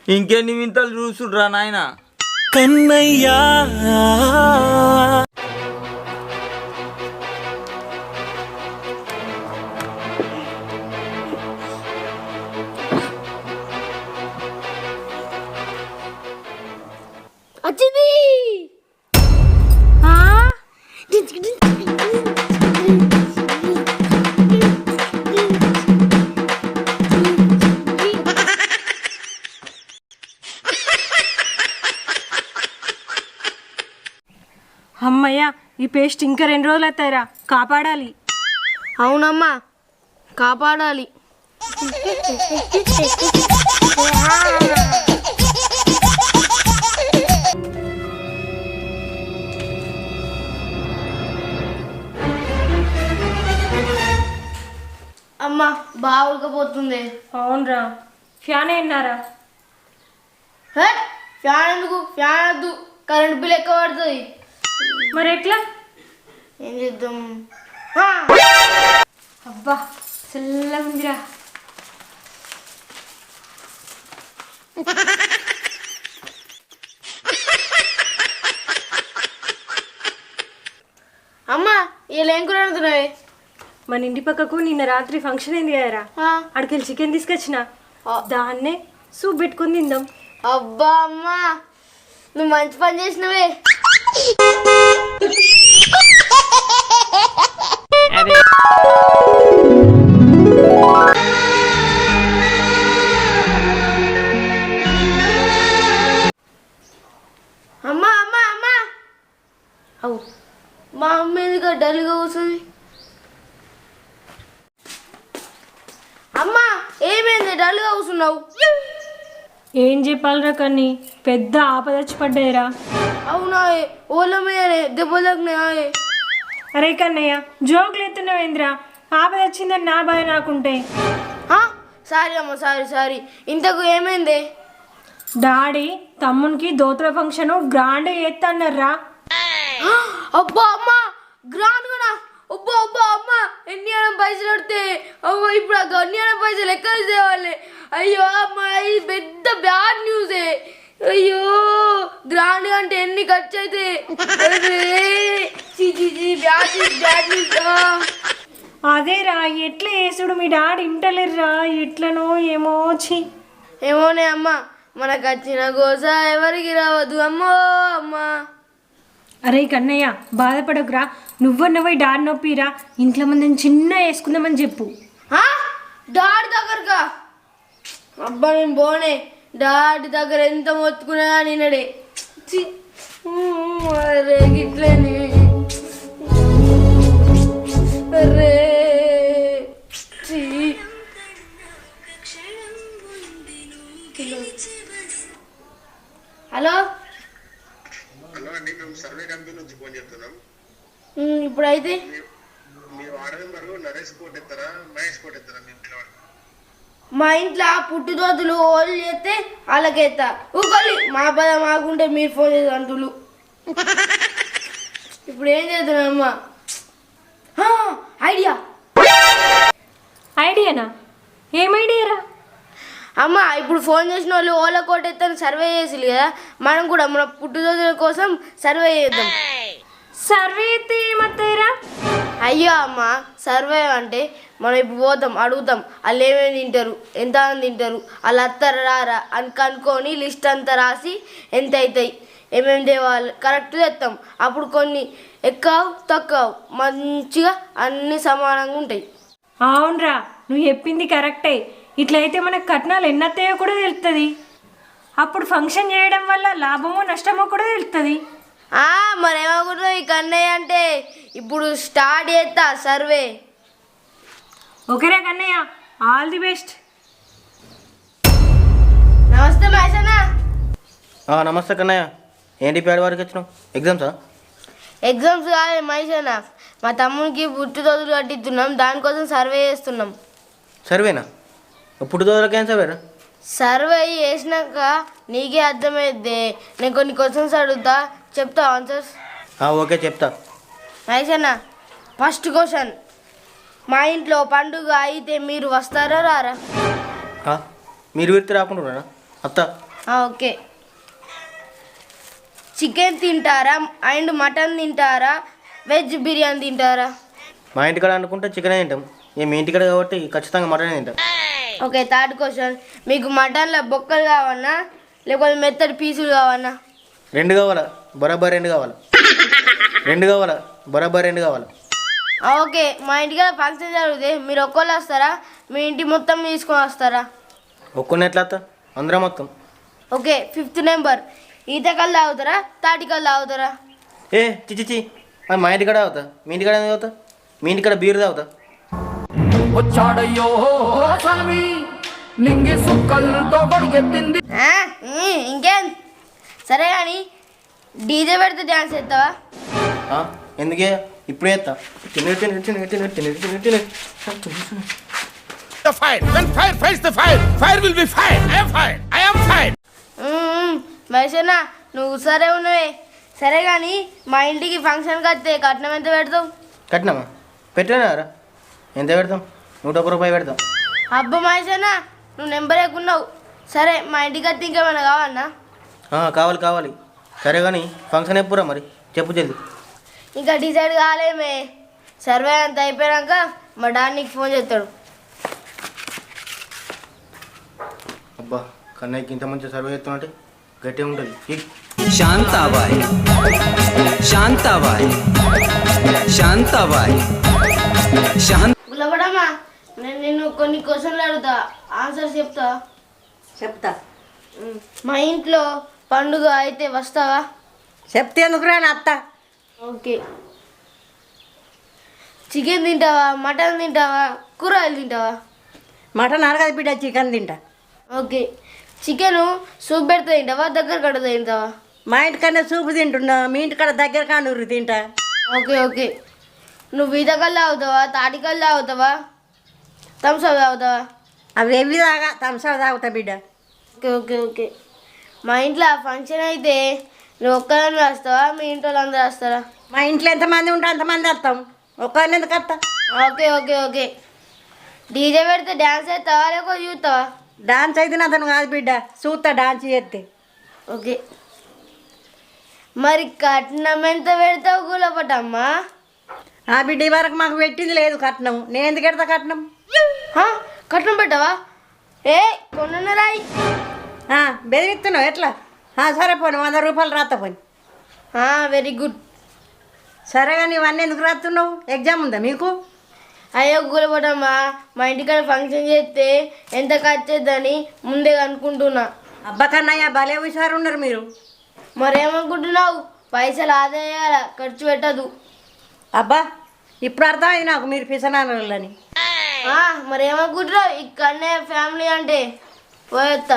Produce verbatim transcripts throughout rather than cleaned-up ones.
ఇంకెన్ని వింతలు చూసుడ్రా నాయన. కన్నయ్యా వచ్చింది. అమ్మయ్య, ఈ పేస్ట్ ఇంకా రెండు రోజులు అవుతాయిరా, కాపాడాలి. అవునమ్మా, కాపాడాలి. అమ్మా బాగా ఉడకపోతుంది. అవునరా, ఫ్యాన్ అయినారా? ఫ్యాన్ ఎందుకు? ఫ్యాన్ వద్దు, కరెంట్ బిల్ ఎక్కువ పడుతుంది. మరి ఎట్లా? ఏం చేద్దాం? అబ్బా చల్లగా ఉందిరా. అమ్మా ఇలా ఏం కూర వండుతున్నావే? మన ఇంటి పక్కకు నిన్న రాత్రి ఫంక్షన్ అయింది కదరా, అక్కడికి చికెన్ తీసుకొచ్చిన, దాన్నే సూప్ పెట్టుకుని తిందాం. అబ్బా అమ్మా, నువ్వు మంచి పని చేసినవే. అమ్మా అమ్మా అమ్మా, అవు మా అమ్మ ఎందుకు డల్గా కూర్చుంది? అమ్మా ఏమైంది డల్గా కూర్చున్నావు? ఏం చెప్పాలరా కన్నీ, పెద్ద ఆపదచ్చి పడ్డాయిరా. అవునా? ఓళ్ళ మీదనే దెబ్బలు తగ్గినాయా? అరే కన్నయ్య, జోకులు ఎత్తున్నావేంద్రా? ఆపద వచ్చిందని నా బాధ నాకుంటే. సారీ అమ్మ, సారీ సారీ. ఇంతకు ఏమైంది? డాడీ తమ్మునికి దోతుల ఫంక్షన్ గ్రాండ్ ఎత్తన్నారా. అబ్బా అమ్మా, గ్రాండ్ కూడా? అబ్బా అబ్బా అమ్మ, ఎన్ని అన్న పైసలు పడితే అవ్వ, ఇప్పుడు ఆ అన్ని అన్న పైసలు ఎక్కడ తేవాలి? అయ్యో అమ్మ, ఇది పెద్ద బ్యాడ్ న్యూసే. అయ్యో, గ్రాండ్ అంటే ఎన్ని ఖర్చు అయితే? అదేరా, ఎట్లా వేసుడు మీ డాడీ ఇంటలేర్రా, ఎట్లనో ఏమో. చి ఏమోనే అమ్మ, మనకు వచ్చిన గోస ఎవరికి రావద్దు అమ్మో అమ్మా. అరే కన్నయ్య, బాధపడకురా, నువ్వన్నవై డాడీ నొప్పిరా, ఇంట్లో మందిని చిన్న వేసుకుందామని చెప్పు. డాడీ దగ్గరగా? అబ్బా నేను పోనే, డాడీ దగ్గర ఎంత మొత్తుకున్నా నిన్నడే. అరే గిట్లేని, అరే హలో హలో అండి, మేము సర్వే కంపెనీ నుంచి ఫోన్ చేస్తున్నాం. ఇప్పుడైతే మీ వార్డు మెంబర్ నరేష్ కోట్ ఎత్తారా, మహేష్ కోట్ ఎత్తారా? మేము పిలవండి. మా ఇంట్లో పుట్టుదోతులు ఓళ్ళు చేస్తే వాళ్ళకేస్తా. ఊకోలి మా పద మాకుంటే మీరు ఫోన్ చేసి అంటులు. ఇప్పుడు ఏం చేస్తున్నామ్మా? ఐడియా ఐడియానా? ఏం ఐడియారా? అమ్మ, ఇప్పుడు ఫోన్ చేసిన వాళ్ళు ఓలా కోట ఎత్తని సర్వే చేసిరు కదా, మనం కూడా మన పుట్టుదోతుల కోసం సర్వే చేద్దాం. సర్వే అయితే ఏమత్తాయిరా? అయ్యో అమ్మ, సర్వే అంటే మనం ఇప్పుడు పోతాం, అడుగుతాం వాళ్ళు ఏమేమి తింటారు, ఎంత మంది తింటారు, వాళ్ళు అత్తారా రారా అని కనుక్కొని లిస్ట్ అంతా రాసి ఎంత అవుతాయి, ఏమేమి తేవాలి కరెక్ట్ తెస్తాం. అప్పుడు కొన్ని ఎక్కువ తక్కువ మంచిగా అన్నీ సమానంగా ఉంటాయి. అవునరా, నువ్వు చెప్పింది కరెక్టే. ఇట్లయితే మనకు కట్నాలు ఎన్నత్తాయో కూడా తెలుస్తుంది. అప్పుడు ఫంక్షన్ చేయడం వల్ల లాభమో నష్టమో కూడా తెలుస్తుంది. మరేమనుకుంటున్నావు ఈ కన్నయ్య అంటే? ఇప్పుడు స్టార్ట్ చేస్తా సర్వే. ఓకేరా కన్నయ్య, ఆల్ ది బెస్ట్. నమస్తే మహేషన్న. నమస్తే కన్నయ్య, ఏంటి పేడ వారికి వచ్చినావు? ఎగ్జామ్సా? ఎగ్జామ్స్ కాదు మహేషన్న, మా తమ్మునికి పుట్టుదోదులు కట్టిస్తున్నాం, దానికోసం సర్వే చేస్తున్నాం. సర్వేనా? పుట్టుదోదులకి ఏం సర్వేరా? సర్వే చేసినాక నీకే అర్థమైద్ది. నేను కొన్ని క్వశ్చన్స్ అడుగుతా, చెప్తా ఆన్సర్స్. ఓకే చెప్తా. మహేషన్న, ఫస్ట్ క్వశ్చన్, మా ఇంట్లో పండుగ అయితే మీరు వస్తారా రారా? మీరు వీరితో రాకుండా అత్త ఆ, ఓకే. చికెన్ తింటారా అండ్ మటన్ తింటారా వెజ్ బిర్యానీ తింటారా? మా ఇంటికాడ అనుకుంటే చికెన్ తింటాం, ఇక మీ ఇంటికాడ కాబట్టి ఖచ్చితంగా మటన్ తింటాం. Okay, third question. మీకు మటన్లో బొక్కలు కావన్నా లేకపోతే మెత్తడి పీసులు కావన్నా? రెండు కావాలా, బరాబర్ రెండు కావాలా, రెండు కావాలా, బరాబర్ రెండు కావాలా. ఆ, ఓకే. మా ఇంటికి ఫంక్షన్ జరిగితే మీరు ఒక్కళ్ళు వస్తారా మీ ఇంటి మొత్తం తీసుకొని వస్తారా? ఒక్కరిని ఎట్లా వస్తా, అందరం మొత్తం. Okay, fifth number. ఈతకల్లు తాగుతారా తాటికల్లు తాగుతారా? ఏ చిచిచి, అది మా ఇంటికాడ తాగుతా, మీ ఇంటికాడ ఎందుకు తాగుతా? మీ ఇంటికాడ బీర్ తాగుతా. వచ్చాడయ్యో స్వామి నింగి సుక్కలతో గొడిగెత్తింది. ఆ, ఉమ్, ఇంకేం. సరే కానీ డీజే పెడితే డ్యాన్స్ చేస్తావా? ఆ, ఎందుకే ఇప్పుడే చేస్తా. తినే తినే తినే తినే తినే తినే తినే The fire. When fire fights the fire, fire will be fire. I am fire. I am fire. మహేషన్న నువ్వు సరే ఉన్నవే. సరే కానీ మా ఇంటికి ఫంక్షన్కి వస్తే కట్నం ఎంత పెడతావు? కట్టినామా? పెట్టినారా? ఎంత పెడతాం? నూట ఒక్క రూపాయి పెడతాం. అబ్బా మహేషన్న నువ్వు నెంబర్ ఎక్కున్నావు. సరే మా ఇంటికి వస్తే ఇంకేమైనా కావన్నా? ఆ, కావాలి కావాలి. సరే కానీ ఫంక్షన్ ఎప్పుడురా మరి చెప్పు జల్ది. ఇంకా డిసైడ్ కాలేమే. సర్వే అంత అయిపోయాక మా డాడీ నీకు ఫోన్ చేస్తాడు. అబ్బా కన్నయ్యకి ఇంత మంచి సర్వే చేస్తున్నట్టే గట్టిగా ఉంటుంది. శాంతాబాయ్ శాంతాబాయ్ శాంతాబాయ్ శాంత గుల్లబడమ్మా నేను నిన్ను కొన్ని క్వశ్చన్లు అడుగుతా, ఆన్సర్ చెప్తా. చెప్తా. ఉమ్, మా ఇంట్లో పండుగ అయితే వస్తావా? చెప్తే ఎందుకు రాని అత్త. ఓకే. చికెన్ తింటావా మటన్ తింటావా కూరగాయలు తింటావా? మటన్ అరగదు బిడ్డ, చికెన్ తింటా. ఓకే. చికెను సూప్ పెడితే తింటావా దగ్గర కడితే తింటావా? మా ఇంటికన్నా సూపు తింటున్నా, మీ ఇంటికాడ దగ్గర కానూరు తింటా. Okay okay. నువ్వు ఈతకల్లు తాగుతావా తాటికల్లు తాగుతావా థమ్స్అప్ తాగుతావా? అవి ఎవి తాగా థమ్స్అప్ తాగుతా బిడ్డ. Okay okay okay. మా ఇంట్లో ఫంక్షన్ అయితే నువ్వు ఒక్కదాన్ని వస్తావా మీ ఇంట్లో అందరూ వస్తారా? మా ఇంట్లో ఎంతమంది ఉంటే అంతమంది వస్తాం, ఒక్కరిని ఎందుకు వస్తా. Okay okay okay. డీజే పెడితే డ్యాన్స్ చేస్తావా లేకపోతే చూస్తావా? డాన్స్ అయితే అతను కాదు బిడ్డ, చూస్తా డాన్స్ చేస్తే. ఓకే. మరి కట్నం ఎంత పెడతావు గులపటమ్మా? ఆ బిడ్డ ఈ వరకు మాకు పెట్టింది లేదు కట్నం, నేను ఎందుకు పెడతా కట్నం? హా, కట్నం పెట్టావా? ఏ కొన్న రాయి. బెదిరిస్తున్నావు ఎట్లా? ఆ, సరే పోను వంద రూపాయలు రాస్తా పోని. Very good. సరే కానీ ఇవన్నీ ఎందుకు రాస్తున్నావు? ఎగ్జామ్ ఉందా మీకు? అయ్యో గులపటమ్మా మా ఇంటికాడ ఫంక్షన్ చేస్తే ఎంత ఖర్చు అవుతుందని ముందే అనుకుంటున్నా. అబ్బా కన్నయ్య భలే హుషారు ఉన్నారు మీరు. మరేమనుకుంటున్నావు? పైసలు ఆదా చేయాల ఖర్చు పెట్టదు. అబ్బా ఇప్పుడు అర్థమైంది నాకు మీరు పిసనాలని. మరేమనుకుంటున్నావు? ఇక్కడనే ఫ్యామిలీ అంటే పోయేస్తా.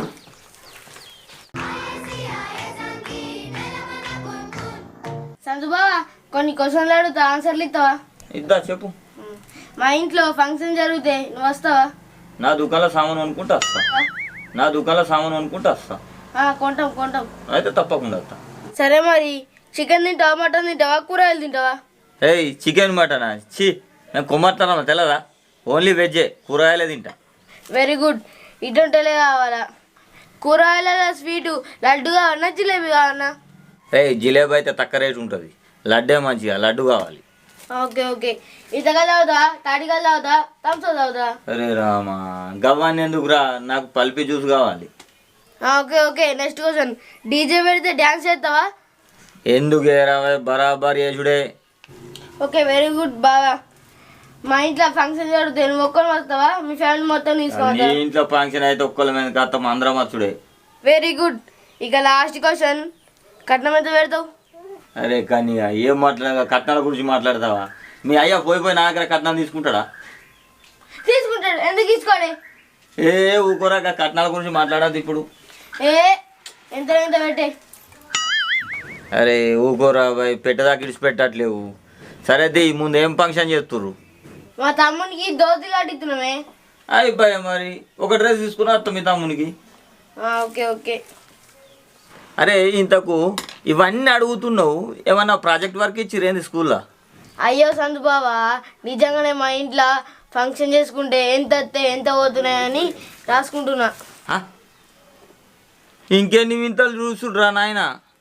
సంతుబావా కొన్ని క్వశ్చన్లు అడుగుతా ఆన్సర్లు ఇస్తావా? ఇద్దా చెప్పు. మా ఇంట్లో ఫంక్షన్ జరిగితే నువ్వు వస్తావా? నా దుకాణంలో సామాను అనుకుంటా వస్తా. నా దుకాణంలో సామాను అనుకుంటా వస్తా. కొంటాం కొంటాం. అయితే తప్పకుండా వస్తా. సరే మరి చికెన్ తింటావా మటన్ తింటావా కూరగాయలు తింటావా? ఏయ్ చికెన్ మటనా? ఛీ నేను కొమ్మట్టానమ్మా తెలదా? ఓన్లీ వెజ్జే, కూరగాయలే తింటా. Very good. ఇటుంటలే కావాలా? కూరగాయల స్వీటు లడ్డు కావాలన్నా జిలేబీ కావాలన్నా? ఏయ్ జిలేబీ అయితే తక్కువ రేటు ఉంటుంది, లడ్డే మంచిగా, లడ్డు కావాలి. Okay okay. ఈతకాయలు తాగుతా తాటికాయలు తాగుతా థమ్స్అప్ తాగుతా? అరే రామా గవ్వాన్ని ఎందుకురా, నాకు పల్పి జ్యూస్ కావాలి. Okay okay. Next question. DJ పెడితే డ్యాన్స్ చేస్తావా? ఎందుకు ఏరా బరాబర్ చేసుడే. ఓకే వెరీ గుడ్ బాగా. మా ఇంట్లో ఫంక్షన్ జరిగితే నువ్వు ఒక్కరు వస్తావా మీ ఫ్యామిలీ మొత్తం నీ తీసుకోవద్దా? ఇంట్లో ఫంక్షన్ అయితే ఒక్కళ్ళ మీద కత్తాం, అందరం వచ్చుడే. Very good. ఇక లాస్ట్ క్వశ్చన్. కట్నం ఎంత పెడతావు? అరే కానీ ఏం మాట్లాడ కట్నాల గురించి మాట్లాడతావా? మీ అయ్యా పోయి పోయి నా దగ్గర కట్నాలు తీసుకుంటాడా? తీసుకుంటాడు. ఎందుకు తీసుకోండి? ఏ ఊకోరా కట్నాల గురించి మాట్లాడద్దు ఇప్పుడు. ఏ ఎంత ఎంత పెట్టే? అరే ఊకోరా బాయ్, పెట్టదాకా ఇడిచిపెట్టట్లేవు. సరే ది ముందు ఏం ఫంక్షన్ చేస్తుర్రు? మా తమ్మునికి దోతి కట్టిస్తున్నామే. అయిపోయా మరి ఒక డ్రెస్ తీసుకుని వస్తాం మీ తమ్మునికి. Okay okay. అరే ఇంతకు ఇవన్నీ అడుగుతున్నావు, ఏమన్నా ప్రాజెక్ట్ వర్క్ ఇచ్చిరేంది స్కూల్లో? అయ్యో సంతు బావా నిజంగానే మా ఇంట్లో ఫంక్షన్ చేసుకుంటే ఎంత వస్తే ఎంత పోతున్నాయని రాసుకుంటున్నా. ఇంకెన్ని వింతలు చూసుడ్రా నాయన.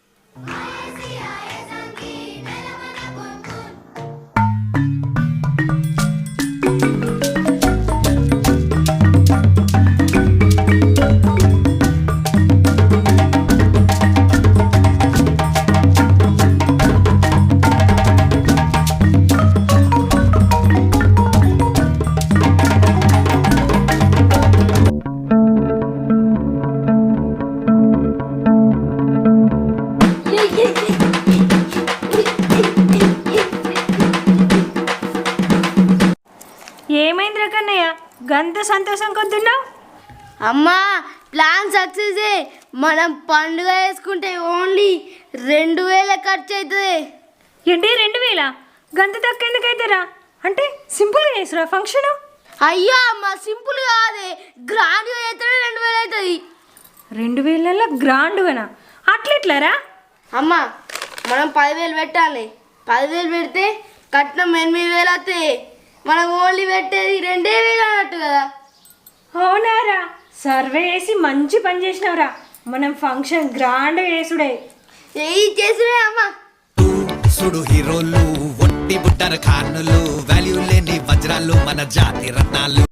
ఏమైందిరా కన్నయ్య గంత సంతోషం కొద్దున్నావు? అమ్మా ప్లాన్ సక్సెస్. మనం పండుగ వేసుకుంటే ఓన్లీ రెండు వేల ఖర్చు అవుతుంది. ఏంటి రెండు వేల? గంత తక్కువ ఎందుకు అవుతారా? అంటే సింపుల్గా చేసురా ఫంక్షన్. అయ్యో అమ్మ సింపుల్ కాదే, గ్రాండ్గా అయితే రెండు వేలు అవుతుంది. రెండు వేలలో గ్రాండ్గానా? అట్లెట్లారా? అమ్మ మనం పదివేలు పెట్టాలి. పదివేలు పెడితే కట్నం ఎనిమిది వేలు అవుతాయి. మనం ఓన్లీ పెట్టేది రెండే వేలు అన్నట్టు కదా. అవునారా? సర్వే వేసి మంచి పని చేసినవరా. మనం ఫంక్షన్ గ్రాండ్ వేసుడే. ఏ చేసినే అమ్మ. సుడు హీరోలు ఒట్టి బుట్టర ఖానులు వాల్యూ లేని వజ్రాలు మన జాతి రత్నాలు.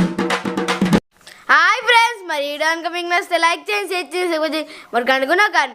హాయ్ ఫ్రెండ్స్, మరి ఈ వీడియో కనుక మీకు నచ్చితే లైక్ చేయండి, షేర్ చేసి మరి కనుక్కున్నా కానీ